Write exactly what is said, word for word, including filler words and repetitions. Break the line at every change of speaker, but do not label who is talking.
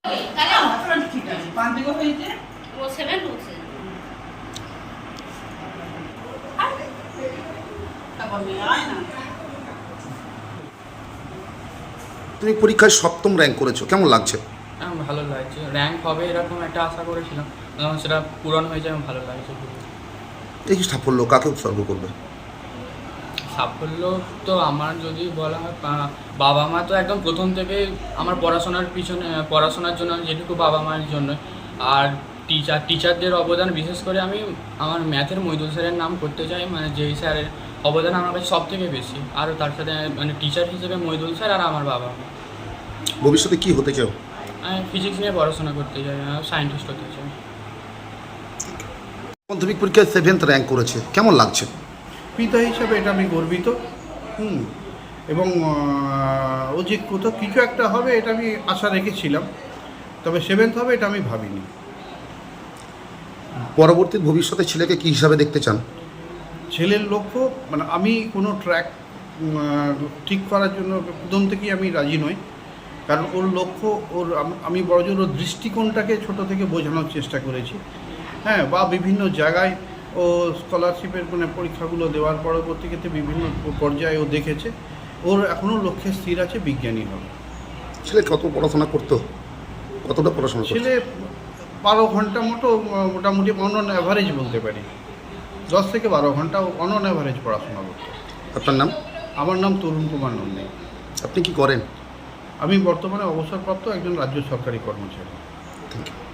ঠিক আছে পাঁচ দিকে হয়েছে
ও সেভেন বলছে
তুমি পরীক্ষায় সপ্তম র্যাঙ্ক করেছো, কেমন লাগছে?
হ্যাঁ ভালো লাগছে, র্যাঙ্ক হবে এরকম একটা আশা করেছিলাম, যখন সেটা পূরণ হয়েছে আমি ভালো লাগছে।
এই সাফল্য কাকে উৎসর্গ করবে?
সাফল্য তো আমার যদি বলা হয়, বাবা মা তো একদম প্রথম থেকে আমার পড়াশোনার পিছনে পড়াশোনার জন্য যেটুকু বাবা মায়ের জন্য, আর টিচার টিচারদের অবদান বিশেষ করে আমি আমার ম্যাথের মইদুল স্যারের নাম করতে চাই, মানে যেই স্যারের অবদান আমার কাছে সব থেকে বেশি, আর তার সাথে মানে টিচার হিসেবে মইদুল স্যার আর আমার বাবা মা।
ভবিষ্যতে কি হতে চাও?
আমি ফিজিক্স নিয়ে পড়াশোনা করতে চাই, সায়েন্টিস্ট হতে চাই।
মাধ্যমিক পরীক্ষায় সেভেন্থ র্যাঙ্ক করেছে, কেমন লাগছে?
পিতা হিসাবে এটা আমি গর্বিত, হুম এবং ও যে কোথাও কিছু একটা হবে এটা আমি আশা রেখেছিলাম, তবে সেভেন্থ হবে এটা আমি ভাবিনি।
পরবর্তী ভবিষ্যতে ছেলেকে কী হিসাবে দেখতে চান?
ছেলের লক্ষ্য মানে আমি কোনো ট্র্যাক ঠিক করার জন্য প্রথম থেকেই আমি রাজি নই, কারণ ওর লক্ষ্য ওর আমি বড়জোর ওর দৃষ্টিকোণটাকে ছোট থেকে বোঝানোর চেষ্টা করেছি, হ্যাঁ বা বিভিন্ন জায়গায় ও স্কলারশিপের মানে পরীক্ষাগুলো দেওয়ার পরবর্তী ক্ষেত্রে বিভিন্ন পর্যায়ে ও দেখেছে ওর এখনও লক্ষ্যে স্থির আছে বিজ্ঞানী হবে।
ছেলে কত পড়াশোনা করতো, কতটা পড়াশোনা করতো?
ছেলে বারো ঘন্টা মতো মোটামুটি অন অন অ্যাভারেজ বলতে পারি, দশ থেকে বারো ঘন্টা অন অন অ্যাভারেজ পড়াশোনা করতো।
আপনার নাম?
আমার নাম তরুণ কুমার নন্দী।
আপনি কি করেন?
আমি বর্তমানে অবসরপ্রাপ্ত একজন রাজ্য সরকারি কর্মচারী।
Thank you.